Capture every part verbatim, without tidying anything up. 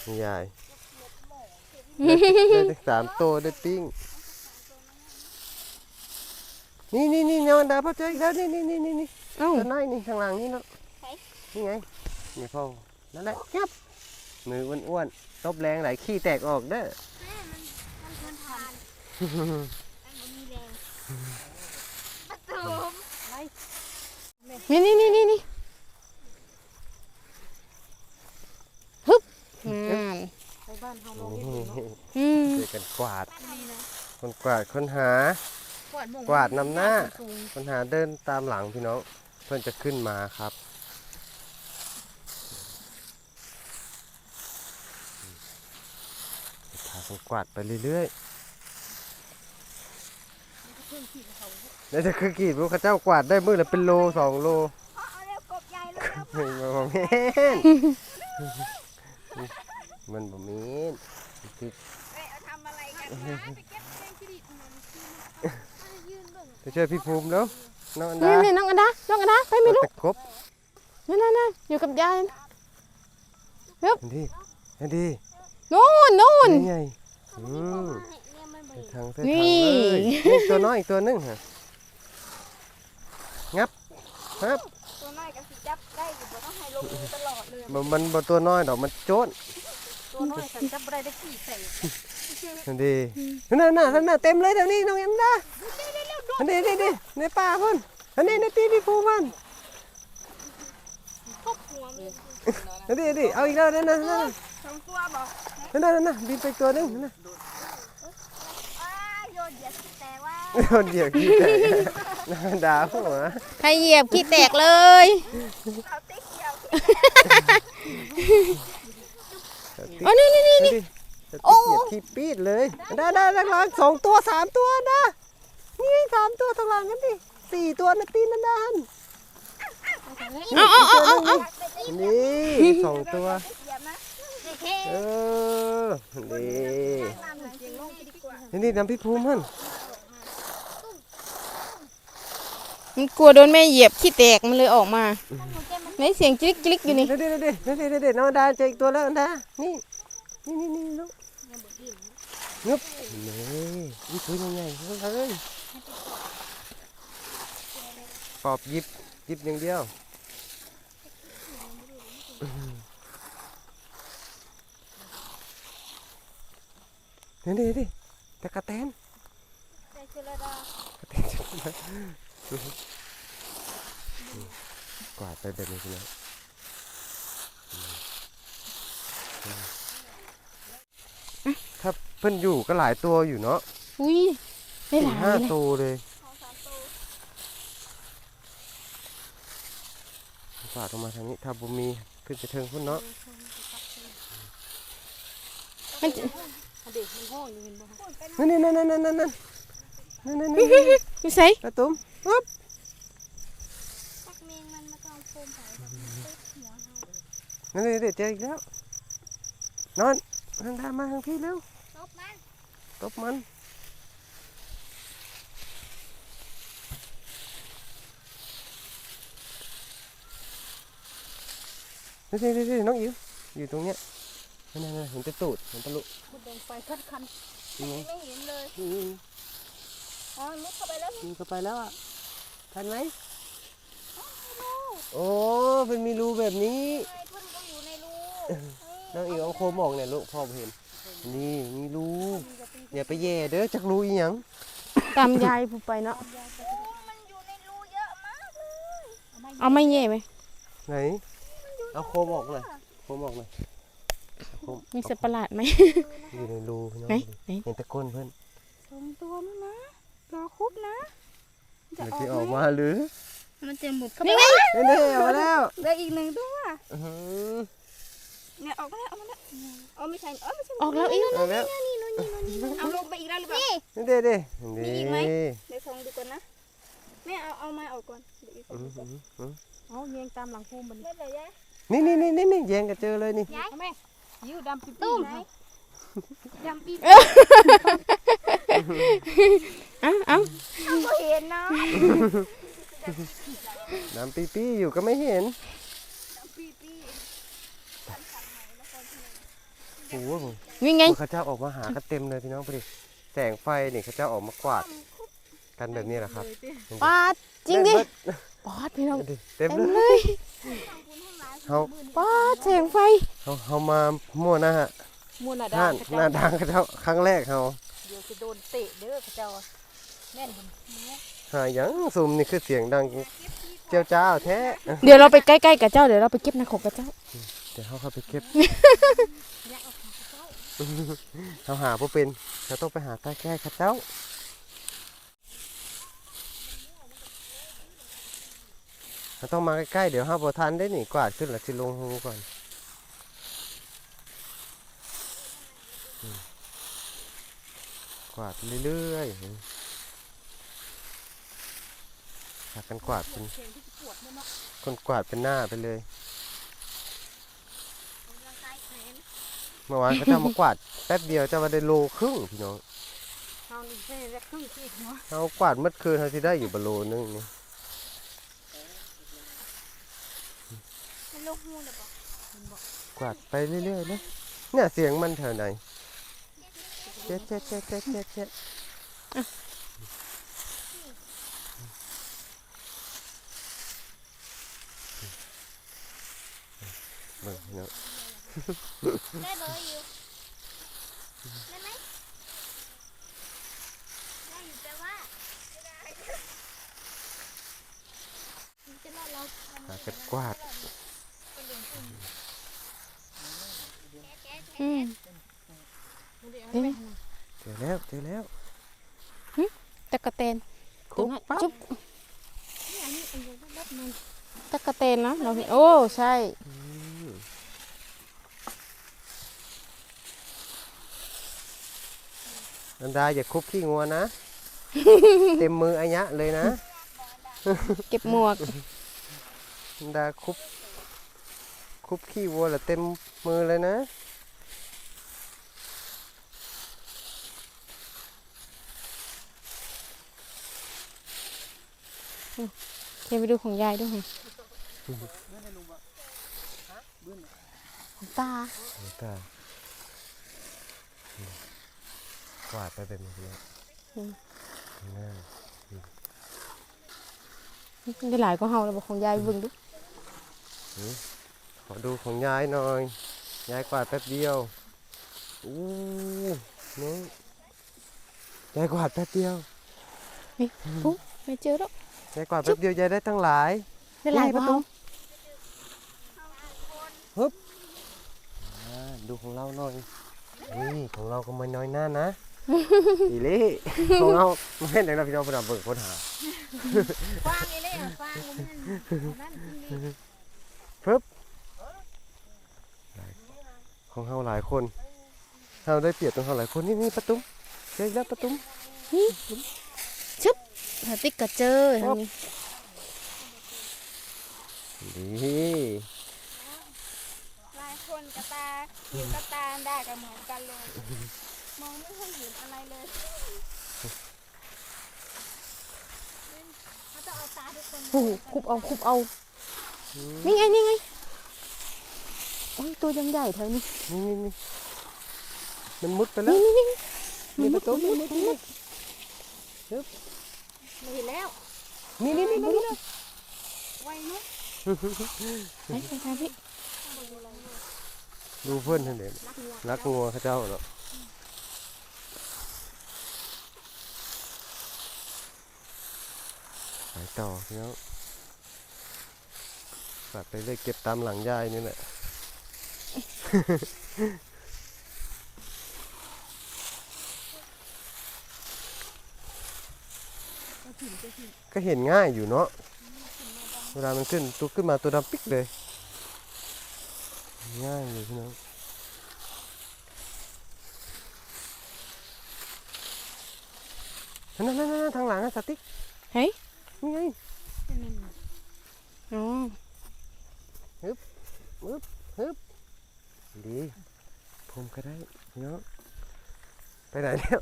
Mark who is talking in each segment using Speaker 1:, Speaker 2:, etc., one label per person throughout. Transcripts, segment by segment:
Speaker 1: นี่ยายได้ได้สามตัวได้ปิ้งนี่นี่นี่น้องอันดาพ่อเจออีกแล้วนี่นี่นี่นี่นี่
Speaker 2: เอ้า
Speaker 1: ตัวน้อยนี่ข้างหลังนี่เนาะนี่ไงนี่พ่อนั่นแหละยับมืออ้วนๆตบแรงไหลขี้แตกออกเด้อ
Speaker 3: มันทนทานมันมีแรงประตู
Speaker 2: นี่นี่นี่นี่นี่ฮึบงาน
Speaker 3: ไปบ้านเฮาลง
Speaker 2: อืม
Speaker 1: เจอกันกวาดคนกวาดคนหากวาดนำหน้าคนหาเดินตามหลังพี่น้องเพื่อนจะขึ้นมาครับพาคนกวาดไปเรื่อยๆแล้วจะคือกรีดพวกข้าเจ้ากวาดได้มื้อละเป็นโลสองโล
Speaker 3: เอาเร็วกบใหญ่เลยแล้ว
Speaker 1: เฮ้ยมันบ่แม่นมันบ่แม่นคือ
Speaker 3: เอ้ยเอาทำอะไรกันนะไปเก็บแกงกิริตมันยืนเบิ่ง
Speaker 1: ไปช่วยพี่ภูมิแล้วน้องอันดา
Speaker 2: นี่นี่น้องอันดาน้องอันดาไปไม่รู้
Speaker 1: ตะครบ
Speaker 2: นั่นนั่นนั่นอยู่กับยาย
Speaker 1: เห็นดิเห็นดิ
Speaker 2: นู่นนู่น
Speaker 1: นี่ไงอืม
Speaker 3: เนี่ยมัน
Speaker 1: ไป
Speaker 3: เบิ่ง
Speaker 1: ทางเส้นทางเลยนี่ตัวน้อยอีกตัวหนึงฮะงับครับ
Speaker 3: ตัวน้อยก็สิจับได้อยู่บ่ต้องให้ลงมือตลอดเลย
Speaker 1: มันมันบ่ตัวน้อยดอกมันโจน
Speaker 3: ตัวน้อยฉันจับบ่ได้ได้กี่ใส่
Speaker 1: เห็นดินั่นน่ะนั่นน่ะเต็มเลยแถวนี้น้องอันดาเห็นดิเห็นดิในป่าเพิ่นเห็นดิในตีพี่ภูมิมัน
Speaker 3: พบหัวมัน
Speaker 1: เห็นดิเห็นดิเอาอีกแล้วนั่นน่ะนั่นน่ะ
Speaker 3: สองตัวบ่
Speaker 1: นั่นน่ะนั่นน่ะบินไปอีกตัวหนึงนั่นน่ะ
Speaker 3: อ้ายโยนเหยียบแต่ว่า
Speaker 1: โดนเหยียบขี้แตกน้องอันดาหัว
Speaker 2: ใครเหยียบขี้แตกเลย
Speaker 3: เอาติ๊กเดียว
Speaker 2: อ๋อนี่นี่นี่
Speaker 1: นี่โอ้เหยียบขี้ปีดเลยได้ได้ได้หลังสองตัวสามตัวนะนี่สามตัวทางหลังกันดิสี่ตัวนะตีนนั่นนั่น
Speaker 2: เอาเอาเอาเอาเอา
Speaker 1: นี่สองตัว
Speaker 3: เหยียบนะเท่
Speaker 1: เออนี่
Speaker 3: ๆตามหลังเสียงลงไปดีกว่า
Speaker 1: นี่นี่น้ำพี่ภูมิมัน
Speaker 2: มันกลัวโดนแม่เหยียบขี้แตกมันเลยออกมาในเสียงจิกจิกอยู่นี่
Speaker 1: เด็ดเด็ดเด็ดเด็ดเด็ดเด็ดน้องดาเจออีกตัวแล้วดานี่นี่นี่นี่ลูกงึบนี่นี่ตัวใหญ่ๆเลยปอบยิบยิบอย่างเดียวนี่นี่นี่ตะกะแตน
Speaker 3: แต่เจรดาก
Speaker 1: วาดไปแบบนี้ใช่ไหมถ้าเพิ่นอยู่ก็หลายตัวอยู่เนาะ
Speaker 2: อุ้ยได้
Speaker 1: สี่
Speaker 2: หลาย
Speaker 1: ห้า
Speaker 2: เลย
Speaker 1: ตัวเลย
Speaker 3: สองสามตัว
Speaker 1: กวาดออกมาทางนี้ถ้าบุมีขึ้นจะเทิงพุ่นเนาะ
Speaker 2: มันจะ
Speaker 1: นั่นนี่นั่นนั่นนั่นนั่นนั่นนั่นนั่นนั่น
Speaker 2: ไม่ใส่
Speaker 1: กระตุ้มปุ๊บ
Speaker 3: ตักเมงมันมาตองโฟมใส่แบบนี้ตึ๊บหัวเฮา
Speaker 1: นั่นนี่เด็ดเจออีกแล้วนอนทางด้านมาทางพี่เร็ว
Speaker 3: ตบมัน
Speaker 1: ตบมันนี่นี่นี่น้องอิ๋วอยู่ตรงเนี้ยนั่นนั่นเห็นแต่ตูดเห็นตะลุ
Speaker 3: มุดลงไปคัดคัน
Speaker 1: นี่ไง
Speaker 3: ไม่เห็นเลย
Speaker 1: อืม
Speaker 3: อ๋อมุดเข้าไปแล้ว
Speaker 1: ยิงเข้าไปแล้วอ่ะทันไหมโอ้เป็นมีรูแบบนี้
Speaker 3: ไอ้เพิ่นก็อยู่ในรู
Speaker 1: น้องอีกเอาโคมออกเนี่ยลูกพ่อบ่เห็นนี่มีรูอย่าไปแย่เด้อจักรูอีหยัง
Speaker 2: ตามยายผู้ไปเนาะ
Speaker 3: โอ้มันอยู่ในรูเยอะมากเลย
Speaker 2: เอาไม่แย่ไหม
Speaker 1: ไหนเอาโคมออกหน่อยโคมออกหน่อยเอาโคม
Speaker 2: มีสัตว์ประหลาดไหม
Speaker 1: อยู่ในรูพี่น้อง
Speaker 2: ไหน
Speaker 1: ดู
Speaker 2: ไหน
Speaker 1: ดิเห็นแตะก้นเพื่อน
Speaker 3: สองตัวมั้งนะรอคุบนะ
Speaker 1: เดี๋ยวจะออกมาหรือ
Speaker 3: มันจะหมุดเข้าไป
Speaker 2: นี่ไง
Speaker 1: เด้อเอามาแล้ว
Speaker 3: เหลืออีกหนึ่งตัว
Speaker 1: อื้อหือ
Speaker 3: เนี่ยออกมาแล้วออกมาแล้วอ๋อไม่ใช่เออไม่ใช่
Speaker 2: ออกแล้วอีก
Speaker 1: เอาแล้ว
Speaker 3: นี่นู่นนี่นู่นนี่นู่นเอาลงไปอีกแล้วหรือเปล่า
Speaker 1: นี่เด้อเด้อ
Speaker 3: มีอีกไหม เดี๋ยวส่องดูก่อนนะแม่เอาเอาไม้ออกก่อนเดี๋ยวอีก
Speaker 1: อื้อหืออื้อ
Speaker 3: เอาเยียงตามหลังภูมิมันไม่เลยยาย
Speaker 1: นี่นี่นี่นี่นี่แยงกันเจอเลยนี่
Speaker 3: ยายแม่ยิ้วดำปิ๊บตุ้มดำปิ๊บ
Speaker 2: เอ้าเอ้า
Speaker 3: เอาก็เห็นนะ
Speaker 1: น้ำปีปี้อยู่ก็ไม่เห็น
Speaker 3: ดำปิ๊บปิ๊บ
Speaker 1: โอ้โห
Speaker 2: วิ่งไง
Speaker 1: เขาเจ้าออกมาหากันเต็มเลยพี่น้องพอดีแสงไฟนี่เขาเจ้าออกมากวาดกันแบบนี้แหละครับ
Speaker 2: ปาดจริงดิ
Speaker 1: เบิด
Speaker 2: ปาดพี่น้อง
Speaker 1: เบิดเต็ม
Speaker 2: เต็ม
Speaker 1: เลย
Speaker 2: เลย
Speaker 1: เขา
Speaker 2: ปาดแสงไฟ
Speaker 1: เขาเขามามั่วหน้า
Speaker 3: มูลน่ะ
Speaker 1: ห้านหน้าดังเขาเจ้าครั้งแรกเขา
Speaker 3: เดี๋ยวจะโดนเตะเด้อเจ้าแม่นผม
Speaker 1: หาหยังซุ่มนี่คือเสียงดังเจ้าเจ้าแท้
Speaker 2: เดี๋ยวเราไปใกล้ๆกับเจ้าเดี๋ยวเราไปเก็บนาขบกับเจ้า
Speaker 1: เดี๋ยวเขาเข้าไปเก็บเขาหาพวเป็นเขาต้องไปหาใต้แก้เขาเจ้าเขาต้องมาใกล้ๆเดี๋ยวห้าบทันได้หนิกวาดขึ้นแล้วสิลงหูก่อนอืมกวาดเรื่อยๆหากันกวาดเป็นคนกวาดเป็นหน้าไปเลยเมื่อวานเขาจะมากวาดแป๊บเดียวจะมาได้โลครึ่งพี่น้อง
Speaker 3: เอานี่ใช่แล้วครึ่งสิเนาะ
Speaker 1: เอากวาดเมื่อคืนเขาที่ได้อยู่บโลนึงนี่
Speaker 3: มันลูกหูเลยบ่
Speaker 1: กวาดไปเรื่อยๆนะเนี่ยเสียงมันเท่าไหนเจ๊ะเจ๊ะเจ๊ะเจ๊ะเจ๊ะเจ๊ะเบิ่งพี่น้อง
Speaker 3: ได้เบอร์อยู่ได้ไหมได้อยู่แต่ว่าจะรอเรา
Speaker 1: หากันกวาด
Speaker 2: อืม
Speaker 1: เจอแล้วเจอแล้ว
Speaker 2: ตะกะเตน
Speaker 1: คุบปั๊บ
Speaker 2: จุ๊บตะกะเตนนะเราเห็นโอ้ใช่
Speaker 1: อันดาอย่าคุบขี้งัวนะ เต็มมืออันยะเลยนะ
Speaker 2: เก็บหมวก
Speaker 1: อันดาคุบคุบขี้วัวแล้วเต็มมือเลยนะ
Speaker 2: เดี๋ยวไปดูของยายด้วยค่ะของตา
Speaker 1: นี่ก็กวาดไปแบบนี้เลยนั่น
Speaker 2: ได้หลายก็เฮาแล้วบอกของยายเบิ่งดู
Speaker 1: ขอดูของยายหน่อย ยายกวาดแป๊บเดียวอู้นี่ยายกวาดแป๊บเดียว
Speaker 2: นี่ปุ๊บไม่เจอแล้ว
Speaker 1: ยายกวาดแป๊บเดียวยายได้ตั้งหลาย
Speaker 2: ได้หลายก็เฮา
Speaker 1: อ่าดูของเราหน่อยนี่ของเราก็ไม่น้อยหน้านะ อีเล่ของเราไม่เห็นเลยนะพี่น้องพี่น้องเบิกคนหา
Speaker 3: ฟางนี่เลยฟางนั่นนั่นนี่
Speaker 1: ปึ๊บของเราหลายคนเราได้เปรียบตรงเราหลายคนนี่นี่ประตุ้มเจออีกแล้วประตุ้ม
Speaker 2: นี่ชึบหาติ๊กก็เจอทางนี้
Speaker 1: นี่
Speaker 3: หลายคนกระตาเห็นกระตาได้กันเหมือนกันเลย มองไม่ค่อยเห็นอะไรเลยเขาจะเอาตาทุกคน
Speaker 2: โอ้โหคุบเอาคุบเอานี่ไงนี่ไงโอ้ยตัวยังใหญ่เท่านี้
Speaker 1: นี่นี่นี่มันมุดไปแล้ว
Speaker 2: นี่นี่นี่
Speaker 1: นี่ประตุ้มนี่นี่นี่
Speaker 3: ไม่เห็นแล้ว
Speaker 1: นี่นี่นี่นี่
Speaker 3: ไวนุ๊ก
Speaker 2: ไปไปทางพี่
Speaker 1: ดูเพื่อนท่านเด่นรักงัวเขาเจ้าเนาะไปต่อพี่น้องกลับไปเลยเก็บตามหลังยายนี่แหละ ก็เห็นง่ายอยู่เนาะเวลามันขึ้นตัวขึ้นมาตัวดำปิ๊กเลยง่ายเลยพี่น้องนั่นนั่นนั่นทางหลังอะสติ๊ก
Speaker 2: เฮ้ย
Speaker 1: นี่ไง
Speaker 2: อ๋อ
Speaker 1: ฮึบฮึบดีผมก็ได้พี่น้องไปไหนแล้ว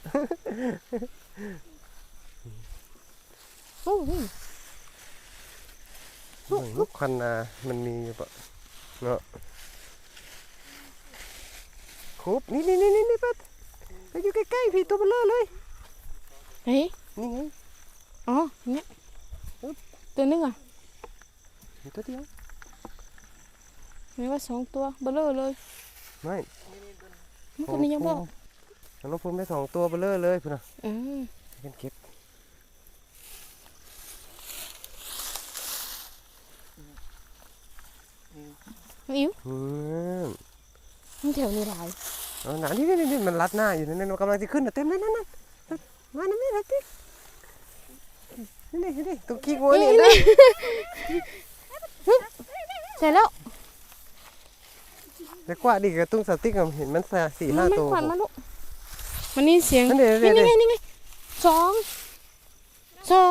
Speaker 2: โอ้โห
Speaker 1: เบิ่งลูกคันนามันมีอยู่ปะเนาะครบนี่นี่นี่นี่ปัดไปอยู่ใกล้ๆพี่ตัวเบลอเลย
Speaker 2: เฮ้ย
Speaker 1: นี่ไง
Speaker 2: อ๋อเนี่ยตัวนึงอ่ะ
Speaker 1: มีตัวเดียว
Speaker 2: ไม่ว่าสองตัวเบลอเลย
Speaker 1: ไม่
Speaker 2: มันตัวนี้ยังบอก
Speaker 1: น้องภูมิได้สองตัวเบลอเลยพุ่นน่ะ
Speaker 2: อืม
Speaker 1: กันเก็บ
Speaker 2: อิ๋ว
Speaker 1: อืม
Speaker 2: มันแถวนี้หลาย
Speaker 1: เอาหนานี่นี่นี่มันรัดหน้าอยู่นั่นมันกำลังจะขึ้นน่ะเต็มเลยนั่นนั่นมานั่นนี่รัดดินี่นี่นี่ตัวขี้งัวนี่นะ
Speaker 2: ใช่แล้ว
Speaker 1: แต่กว่าดิกระตุ้งสติ๊กเห็นมันสี่ห้า
Speaker 2: มัน
Speaker 1: ตัว
Speaker 2: ขวัญมาลูกมันนี่เสียง
Speaker 1: นั่นเดี๋ยว
Speaker 2: นี่
Speaker 1: เดี๋ยว
Speaker 2: ไงนี่ไงสองสอง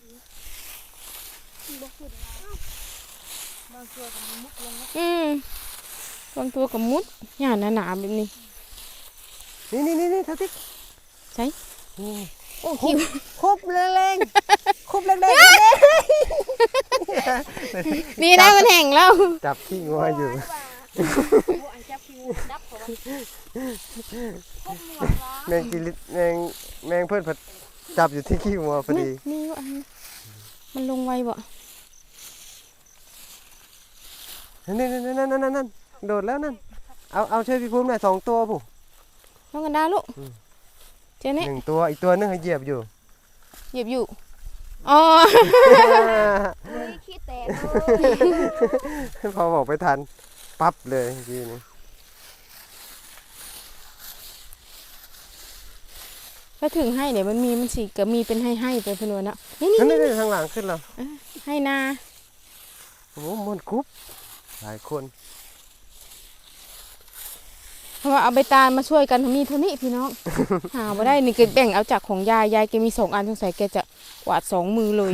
Speaker 3: บางตัวกับมุกลง
Speaker 2: อืมบางตัวกับมุดหยาหนาๆแบบนี้
Speaker 1: นี่นี่นี่นี่สติ๊ก
Speaker 2: ใช่
Speaker 1: นี่
Speaker 2: โอ้คิว
Speaker 1: ครบแรงๆครบแรงๆ
Speaker 2: นี่ได้มันแห้งแล้ว
Speaker 1: จับขี้งัวอยู่
Speaker 3: อันจับคิวดับเขาว่าพวกหมวกวะ
Speaker 1: แมงกิลิแมงแมงเพื่อนผัดจับอยู่ที่ขี้งัวพอดี
Speaker 2: นี่วะมันลงไวบ่
Speaker 1: นั่นนั่นนั่นนั่นนั่นโดดแล้วนั่นเอาเอาช่วยพี่ภูมิหน่อยสองตัวผู้
Speaker 2: น้องกันดาลูกเจ้านี่
Speaker 1: หนึ่งตัวอีกตัวนึงให้เหยียบอยู่
Speaker 2: เหยียบอยู่อ๋อ
Speaker 3: เฮ้ยขี้แตกเลย
Speaker 1: พอบอกไปทันปั๊บเลยทีนี้
Speaker 2: ถ้าถึงให้เดี๋ยวมันมีมันสิก็มีเป็นให้ให้ไปพนวนนะนี่นี่
Speaker 1: นั่นนี่ทางหลังขึ้นแล้ว
Speaker 2: ให้นา
Speaker 1: โอ้มนคุบหลายคน
Speaker 2: เพราะว่าเอาใบตาลมาช่วยกันมีเท่านี้พี่น้อง หามาได้นี่ก็แบ่งเอาจากของยายยายแกมีสองอันสงสัยแกจะกวาดสองมือเลย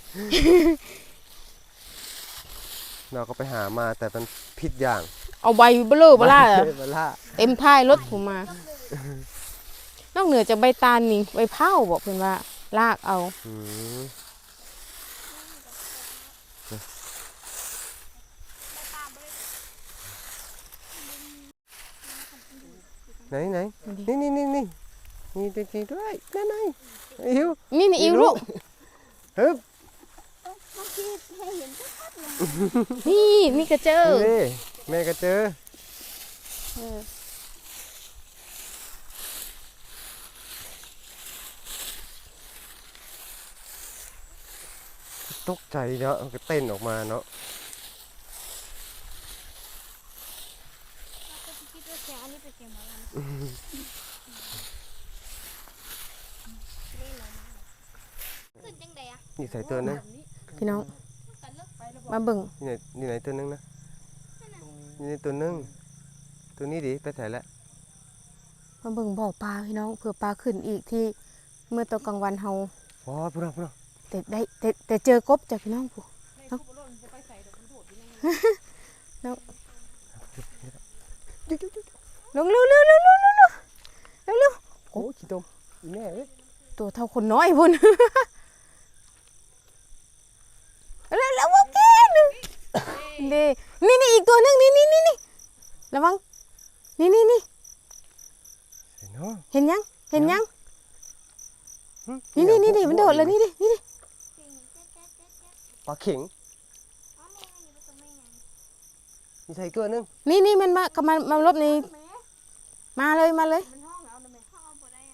Speaker 1: เราก็ไปหามาแต่มันผิดอย่าง
Speaker 2: เอาใบเบลอเบล่า
Speaker 1: เบล่า
Speaker 2: เต็มท้ายรถผมมา นอกเหนือจากใบตาลนี่ใบเผาบอกเพื่อนว่าลากเอา
Speaker 1: อืมไหนไหนนี่นี่นี่นี่นี่จริงๆด้วยนั่นไงอิ๋ว
Speaker 2: นี่นี่อิวลูก
Speaker 1: ฮึบ
Speaker 3: เมื่อกี้ให้เห็นชัดๆเลย
Speaker 2: นี่นี่ก็เจอ
Speaker 1: นี่แม่ก็เจอ
Speaker 2: เออ
Speaker 1: ตกใจเนาะมันก็เต้นออกมาเนาะ
Speaker 3: ก็คิดว่าเสียงอันนี้เป็นเสียงหมอลำเล่นอะไรมาขึ้นจังใดอะ
Speaker 1: นี่ใส่ตัวนึง
Speaker 2: พี่น้อง
Speaker 3: กันเลิกไปแล้ว
Speaker 2: มาเบิ่ง
Speaker 1: นี่ไหนนี่ไหนตัวนึงนะนี่ตัวนึงตัวนี้ดิไปใส่แล้ว
Speaker 2: มาเบิ่งบ่อปลาพี่น้องเผื่อปลาขึ้นอีกที่เมื่อตอนกลางวันเฮา
Speaker 1: ว้าวพุ่งพุ่ง
Speaker 2: แต่ได้แต่แต่เจอกบจากพี่น้องผู้น้องน้องลงเร็วเร็วเร็วเร็วเร็วเร็วเร็วเร็ว
Speaker 1: โอ้ขี้ตมอีแม่เอ้ย
Speaker 2: ตัวเท่าคนน้อยพุ่น เร็วเร็วโอเคหนึ่งเดนี่นี่อีกตัวหนึงนี่นี่นี่นี่ระวังนี่นี่นี่
Speaker 1: เห็นเนาะ
Speaker 2: เห็นยังเห็นยัง
Speaker 1: หึ
Speaker 2: นี่นี่นี่นี่มันโดดเลยนี่ดินี่ดิ
Speaker 1: ปลาเข็ง
Speaker 3: อ๋อแม่อันนี้เป็นตัวแม่ยัง
Speaker 1: มีใส่ตัวนึง
Speaker 2: นี่นี่มันมากำมันมารบนี่
Speaker 3: แม่
Speaker 2: มาเลยมาเลย
Speaker 3: มันห้องเอาหน่อยแม่ห้องเอาบ่ได้อะ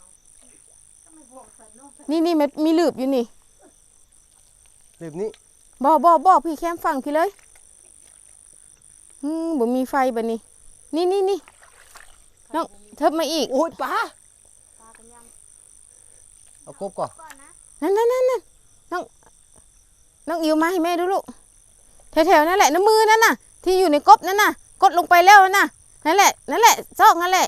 Speaker 2: นี่นี่มันมีหลืบอยู่นี่
Speaker 1: แบบนี้
Speaker 2: บ่บ่บ่พี่แคมฝั่งพี่เลยอืมบ่มีไฟบัดนี้นี่นี่นี่น้องเทิบมาอีก
Speaker 1: โอ้ยปลา
Speaker 3: ปลากันยัง
Speaker 1: เอากบก่อน
Speaker 3: ก่อนนะ
Speaker 2: นั่นนั่นนั่นนั่นน้องน้องอิวมาให้แม่ดูลูกแถวๆนั่นแหละน้ำมือนั่นน่ะที่อยู่ในกบนั่นน่ะกดลงไปแล้วนั่นน่ะนั่นแหละนั่นแหละซอกนั่นแหละ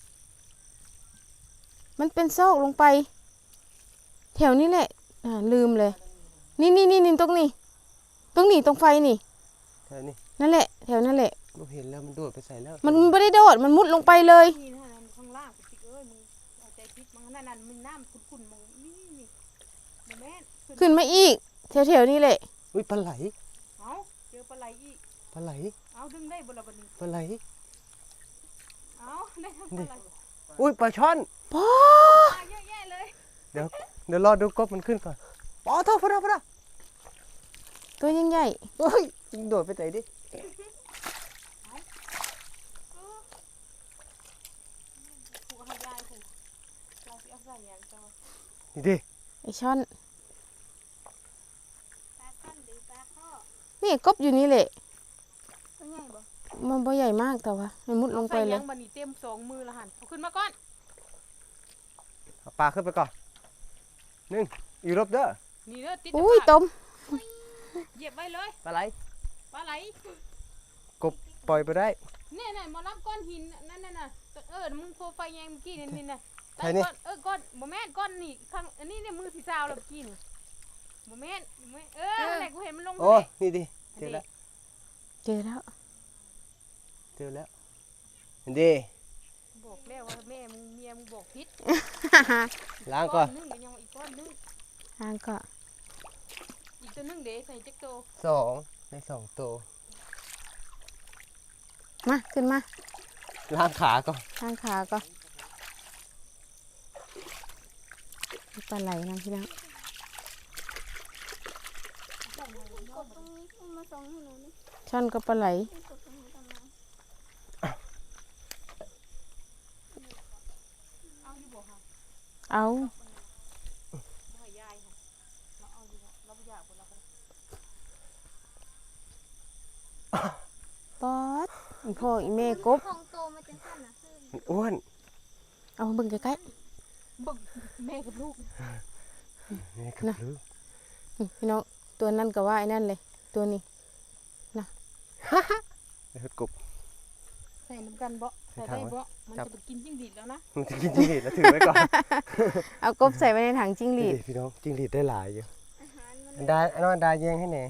Speaker 2: มันเป็นซอกลงไป แถวนี้แหละอ่าลืมเลยนี่นี่นี่นี่ตรงนี้ตรงนี้ตรงไฟนี่
Speaker 1: แค่นี้
Speaker 2: นั่นแหละแถวนั่นแหละ
Speaker 1: เราเห็นแล้วมันโดดไปใส่แล้ว
Speaker 2: มันไม่ได้โดดมันมุดลงไปเลย
Speaker 3: นี่นะข้างล่างติ๊กเอ้ยมึงเอาใจคิดมึงนั่นนั่นมึงน้ำขุ่นๆมึงนี่นี่เดี๋ยวแม่ขึ้น
Speaker 2: ขึ้นมาอีกแถวๆนี่แหละ
Speaker 1: อุ้ยปลาไหล
Speaker 3: เอาเจอปลาไหลอีก
Speaker 1: ปลาไหล
Speaker 3: เอาดึงได้บ่ละบัดนี้
Speaker 1: ปลาไหล
Speaker 3: เอาได้
Speaker 1: นี่อุ้ยปลาช่อน
Speaker 2: ปอ
Speaker 3: ปลาเยอะแยะเลย
Speaker 1: เดี๋ยวเดี๋ยวรอดูกบมันขึ้นก่อนปอเท่าพอดาพอดา
Speaker 2: ตัวยังใหญ่
Speaker 1: เฮ้ยโดดไปไหนดิ
Speaker 3: ผูกให้ยายผูกเราสิเอาใส่อย่างต่อ
Speaker 1: นี่ดิ
Speaker 2: ไอช่อน
Speaker 3: ปลาขั้นหรือปลาข้อ
Speaker 2: นี่กบอยู่นี่แหละ
Speaker 3: ตัวใหญ่บ่
Speaker 2: มันบ่ใหญ่มากแต่ว่ามันมุดลงไปเลย
Speaker 4: อาใส่ยังบันนี้เต็มสองมือละหันเอาขึ้นมาก่อน
Speaker 1: เอาปลาขึ้นไปก่อนหนึ่งอยู่รบเด้อ
Speaker 4: นี่เด้อติด
Speaker 2: อุ้ย
Speaker 4: ต
Speaker 2: ต้ม
Speaker 4: เหยียบไว้เลย
Speaker 1: ปลาไหล
Speaker 4: ปลาไหล
Speaker 1: กบปล่อยไปได้
Speaker 4: เนี่ยน่ะมารับก้อนหินนั่นน่ะน่ะเออมึงโคไฟแยงเมื่อกี้นี่นี่น่ะ
Speaker 1: ใช่นี่
Speaker 4: ก้อนเออก้อนบ่แม่นก้อนนี่ข้างอันนี้เนี่ยมือสีสาวแล้วเมื่อกี้นี่บ่แม่นบ่แม่นเออนั่นแหละกูเห็นมันลง
Speaker 1: โอ้
Speaker 4: เลย
Speaker 1: นี่ดิเจอแล้ว
Speaker 2: เจอแล้ว
Speaker 1: เจอแล้วนี่ดิ
Speaker 4: บอกแล้วว่าแม่มึงเมียมึงบอกผิด
Speaker 1: ล้างก่อน
Speaker 4: นึงเดี๋ยวยังอีกก้อนนึง
Speaker 2: ทางก็
Speaker 4: อีกตัวนึงเดี๋ยวใส่เจ๊กโต
Speaker 1: สองได้สองตัว
Speaker 2: มาขึ้นมา
Speaker 1: ล้างขาก่อน
Speaker 2: ทางขาก็ปลาไหลนะพี่น้อง
Speaker 3: กดตรงนี้ขึ้นมาส่งให้หนูนี่
Speaker 2: ช่อนก็ปลาไหล
Speaker 3: กดตรงนี้ทำไม
Speaker 4: เอาอยู่บ่ค่ะ
Speaker 2: เอา
Speaker 4: บ่ให้ยายค่ะเราเอาอยู่บ่เราบ่อยากบ่เราก็
Speaker 2: ป๊อดอีพ่ออีแม่กบ
Speaker 3: ของโตมาจังสั้นนะคือ
Speaker 1: มันอ้วน
Speaker 2: เอาเบิ่งใกล้
Speaker 4: บึกแม่กับลูก
Speaker 1: นี่ครับลูก
Speaker 2: ๆนี่พี่น้องตัวนั้นก็ว่าไอ้นั่นเลยตัวนี้
Speaker 1: เดี๋ยวกบ
Speaker 4: ใส่น้ำกันบ่ใส่ได้บ่มัน
Speaker 1: จับ
Speaker 4: จะไปกินจิ้งหรีดแล้วนะ
Speaker 1: มันจะกินจิ้งหรีดแล้วถือไว้ก่อน
Speaker 2: เอากบใส่ไว้ในถังจิ้งหรี
Speaker 1: นี่
Speaker 2: ด
Speaker 1: ดิพี่น้องจิ้งหรีดได้หลายอยู่
Speaker 3: อาหารมัน
Speaker 1: อันดาอันนั้นอันดาแยงให้แหน่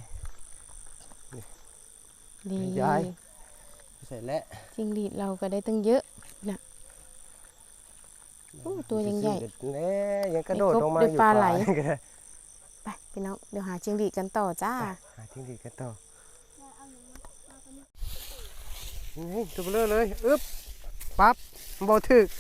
Speaker 2: ดี
Speaker 1: ยาย ใส่แล้ว
Speaker 2: จิ้งหรีดเราก็ได้ตั้งเยอะนะโอ้ตัวยังใหญ่
Speaker 1: แน่ยังกระโดด
Speaker 2: ไอ้กบ
Speaker 1: ลงมา
Speaker 2: ด้วย
Speaker 1: อยู่
Speaker 2: ปลาไหล
Speaker 1: ก็ได้
Speaker 2: ไปพี่น้องเดี๋ยวหาจิ้งหรีดกันต่อจ้า
Speaker 1: หาจิ้งหรีดกันต่อ
Speaker 3: เอาหนูมาเอาตัวนี้
Speaker 1: นี่ตัวเบลอเลยอึ๊บปั๊บบ่ถึก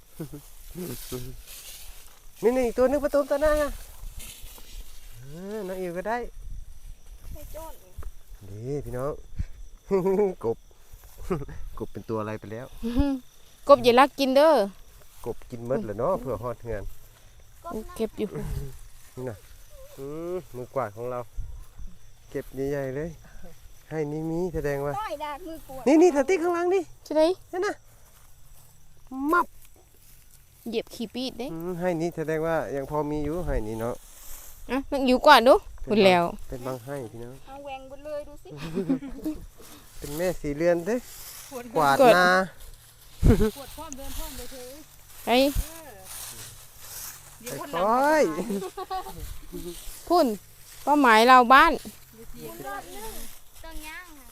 Speaker 1: นี่นี่อีกตัวนึงประตูตัวหน้าเออน้องอิวก็ได้
Speaker 3: ให้โจ้นเอง
Speaker 1: นี่พี่น้อง กบ กบเป็นตัวอะไรไปแล้ว
Speaker 2: กบอย่าลักกินเด้อก
Speaker 1: บกินหมดแล้วเนาะเพื่อฮอดเงิน
Speaker 3: กบ
Speaker 2: โอ้
Speaker 3: นะ
Speaker 2: เก็บอยู่
Speaker 1: นี่นะอืมมือกวาดของเรา เก็บใหญ่ๆเลย ให้นี่มีแสดงว่า
Speaker 3: ต้อยดากมือกวด
Speaker 1: นี่นี่สติ๊กข้างหล่างนี่
Speaker 2: ใช่ไหม
Speaker 1: นั่นนะมับ
Speaker 2: เหยียบขี้ปีดเด้
Speaker 1: อืมให้นี่แสดงว่ายังพอมีอยู่ให้นี่เนาะ
Speaker 2: อ่ะมันอยู่กว่าดูหมดแล้ว
Speaker 1: เป็นบางให้พี่น้อง
Speaker 3: เอาแหวงหมดเลยดูสิ
Speaker 1: เป็นแม่สีเรือนเด้
Speaker 4: ขวด
Speaker 1: กวาดนา
Speaker 4: ขวดพร้อมเดินพร้อมเลยเธอ
Speaker 2: ไอ้
Speaker 4: เดี๋ยวคนหลัง
Speaker 1: ค่อย
Speaker 2: พุ่นเป้าหมายเราบ้าน
Speaker 3: รอบนึงต้องย่างค่ะ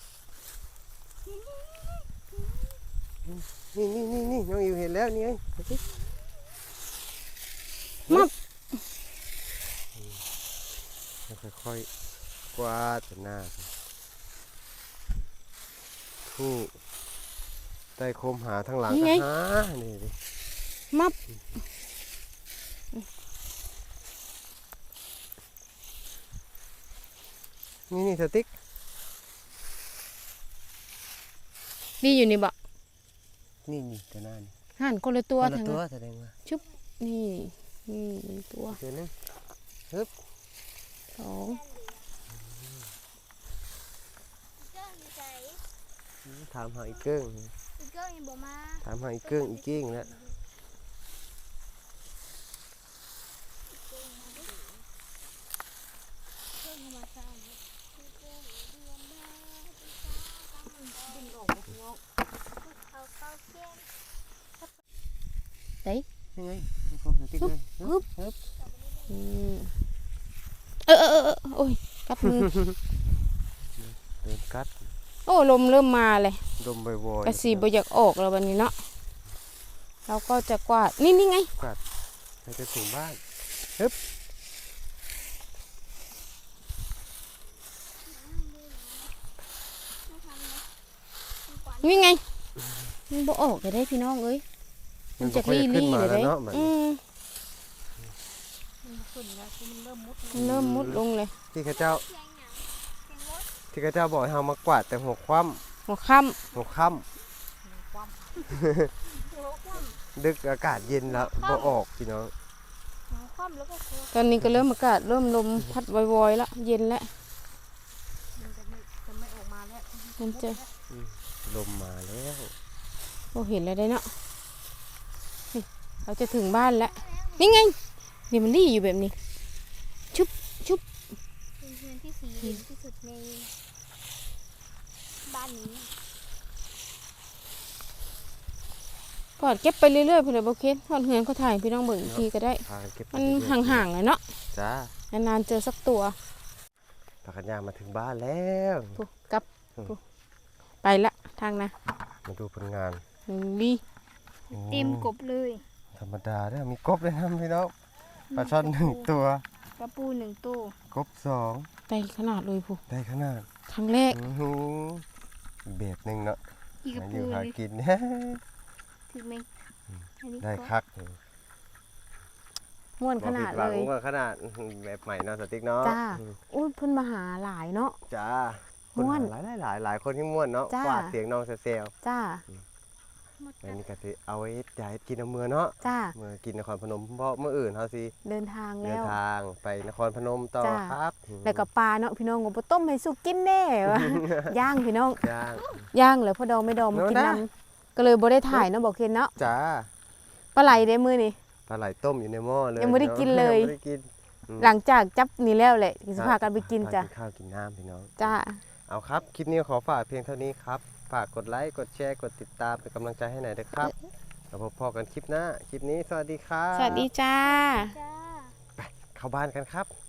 Speaker 1: นี่นี่นี่นี่น้องอิวเห็นแล้วนี่ไง
Speaker 2: มับ
Speaker 1: ค่อยๆกวาดหน้าทู่ใต้โคมหาทางหลังก็หานี่ดิ
Speaker 2: มับ
Speaker 1: นี่นี่สติ๊ก
Speaker 2: ดีอยู่นี่บ่
Speaker 1: นี่นี่ตัวหน้านี่
Speaker 2: หันคนละตัว
Speaker 1: คนละ
Speaker 2: ทาง
Speaker 1: ตัว
Speaker 2: นั้น
Speaker 1: แสดงว่า
Speaker 2: นี่นี่หนึ่งตัว
Speaker 1: เดี๋ยวนึง
Speaker 2: สอง
Speaker 3: เกิ้งอยู่ใจ
Speaker 1: ถามหาอีกเกิ้ง
Speaker 3: อีเกิ้งยังบ่มา
Speaker 1: ถามหาอีกเกิ้งอีกเก้งแล้ว
Speaker 3: เกิ้งมาสร้างเขาเข้าเก้ง
Speaker 1: ยังไงมีความสติ๊กเลยฮึบฮึบ
Speaker 2: อืมเออเออเออเออโอ้ยกัดมือ
Speaker 1: เดินกัด
Speaker 2: โอ้ลมเริ่มมาเลย
Speaker 1: ดมบ่อยๆ
Speaker 2: กระสีบอยากออกแล้ววันนี้เนาะเราก็จะกวาดนี่นี่ไง
Speaker 1: ให้ไปถึงบ้าน
Speaker 2: นี่ไงมันบ่ออกเลยได้พี่น้องเอ้ย
Speaker 1: มั
Speaker 2: มัน น
Speaker 1: จะ
Speaker 2: จะ
Speaker 1: ลี่
Speaker 2: ลี่
Speaker 1: ลี่
Speaker 2: ลี่
Speaker 1: เล
Speaker 2: เลย ย
Speaker 1: ได้
Speaker 2: ได้
Speaker 1: เนาะมัน
Speaker 2: อืม
Speaker 4: มันขึ้นแล้วคือมันเริ่มมุด
Speaker 2: มันเริ่มมุดลงเลย
Speaker 1: ที่ข้าเจ้า
Speaker 3: เสียงหยังเสียงรถ
Speaker 1: ที่ข้าเจ้าบอกให้เฮามากวาดแต่หัวคว่
Speaker 2: หัวค่
Speaker 1: ำหัวค่ำดึกอากาศเย็นแล้วบ่ออกพี่น้อง
Speaker 3: หัวคว่ำแล้วก็โค
Speaker 2: ำตอนนี้ก็เริ่มอากาศเริ่มลมพัดวอยๆละเย็นแล้ว
Speaker 4: มันจะไม่จะไม่ออกมาแล้ว
Speaker 2: มันจะ
Speaker 1: ลมมาแล้ว
Speaker 2: โอ้เห็นแล้วได้เนาะเฮ้ยเราจะถึงบ้านแล้วนี่ไงเดี๋ยวมันรี่อยู่แบบนี้ ชุบชุบ
Speaker 3: เป็นเพื่อนที่สีเหลืองที่สุดในบ้านนี้
Speaker 2: กอดเก็บไปเรื่อยๆเพื่อนบอกเคสพอดเหือนเขาถ่ายพี่น้องเบิ่งอีกทีก็ได้
Speaker 1: พากันเก็บ
Speaker 2: มันห่างๆเลยเนาะ
Speaker 1: จ้าน
Speaker 2: านๆเจอสักตัว
Speaker 1: พากันย่างมาถึงบ้านแล้ว
Speaker 2: ปุ๊กลับปุ๊ไปละทางนะ
Speaker 1: มาดูผลงาน
Speaker 2: ดี
Speaker 1: โอ้
Speaker 3: เต็มกบเลย
Speaker 1: ธรรมดาเด้อมีกบเลยนะพี่น้องปลาช่อนหนึ่งตัว
Speaker 3: กระปูหนึ่งตู้
Speaker 1: กบสอง
Speaker 2: ไปขนาดเลยผู้
Speaker 1: ได้ขนาด
Speaker 2: ครั้งแรก
Speaker 1: อื้อหือเบ็ดหนึ่งเนาะ
Speaker 3: อีกกระ
Speaker 1: หาอ
Speaker 3: ปู
Speaker 1: ยู่หา
Speaker 3: เลย
Speaker 1: กิน
Speaker 3: ถึงไหมอันนี้
Speaker 1: ได้
Speaker 3: ก็
Speaker 1: คัก
Speaker 2: ม่วนขนาดเลย
Speaker 1: บ่ผิหวังว่าขนาดแบบใหม่เนาะสติ๊กเนาะ
Speaker 2: จ้า
Speaker 1: อืม
Speaker 2: อุ้ยเพิ่นมาหาหลายเนาะ
Speaker 1: จ้า
Speaker 2: ม่วน
Speaker 1: หลายหลายหลายหลายคนที่ม่วนเนาะ
Speaker 2: จ้า
Speaker 1: กวาดเสียงน้องเซล
Speaker 2: จ้า
Speaker 3: หมด
Speaker 1: อั
Speaker 3: กัน น
Speaker 1: นี้ก็สิเอาไว้จ่ายกินเอาเมือเนาะ
Speaker 2: จ้า
Speaker 1: เมื่อกินนครพนมเพราะเมื่ออื่นเขาสิ
Speaker 2: เดินทาง
Speaker 1: เดิ
Speaker 2: แล้
Speaker 1: น
Speaker 2: ว
Speaker 1: ทางไปนครพนมต่อ
Speaker 2: จ้า
Speaker 1: ครับ
Speaker 2: แล้วก็ปลาเนาะพี่น้องก็บ่ต้มให้สุกกินแน่วะ ย่างพี่น้อง
Speaker 1: ย่าง
Speaker 2: ย่างแล้วพ่อดองไม่ดองมากิน
Speaker 1: เอานะ
Speaker 2: น้ำก็เลยบ่ได้ถ่ายเนาะบอกเคนเนาะ
Speaker 1: จ้า
Speaker 2: ปลาไหลได้มื้อนี่
Speaker 1: ปลาไหลต้มอยู่ในหม้อเลย
Speaker 2: ยังไม่ได้กินเลย
Speaker 1: งไม่ได้กินอืม
Speaker 2: หลังจากจับนี่แล้วแหละสิพากันไปกินจ้ะ
Speaker 1: พข้าวกินน้ำพี่น้อง
Speaker 2: จ้า
Speaker 1: เอาครับคลิปนี้ขอฝากเพียงเท่านี้ครับฝากกดไลค์กดแชร์กดติดตามเป็นกำลังใจให้หน่อยนะครับแล้วพบกันคลิปหน้าคลิปนี้สวัสดีครับ
Speaker 2: สวัสดีจ้า
Speaker 3: จ้า
Speaker 1: เข้าบ้านกันครับ